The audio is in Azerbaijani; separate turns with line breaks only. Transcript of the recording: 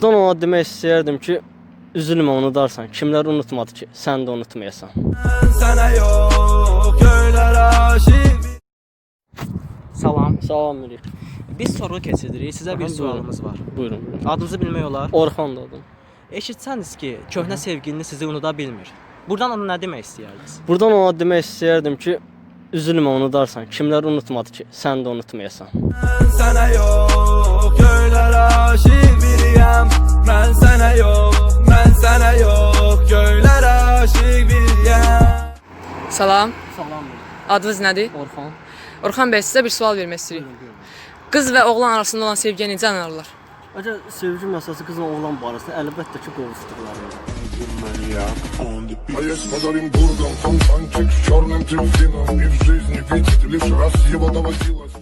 Son ona demək istəyərdim ki, üzülmə, unudarsan. Kimlər unutmadı ki, sən də unutmayasan.
Sənə yox, göylər aşiq.
Salam.
Salam Mirik.
Biz sorğu keçiririk. Sizə bir sualımız var.
Buyurun.
Adınızı bilmək olar?
Orxan da adım.
Eşitsəniz ki, köhnə sevgiliniz sizi unuda bilmir. Buradan ona nə demək istəyirdiniz?
Buradan ona demək istəyərdim ki, üzülmə, unudarsan. Kimlər unutmadı ki, sən də unutmayasan.
Sənə yox, göylər aşiq biriyəm. Mən sənə yox, göylər aşiq biriyəm.
Salam,
Salam Mirik.
adınız nədir?
Orxan.
Orxan bəy, sizə bir sual vermək istəyirik. Qız və oğlan arasında olan sevgiyə necə anlarlar?
Əgər sevgi məsələsi qızla oğlan barəsində əlbəttə ki, qovuşduqlarında.
А я с подарим бургом, фонтанчик с черным дельфином. И в жизни видеть лишь раз его доводилось.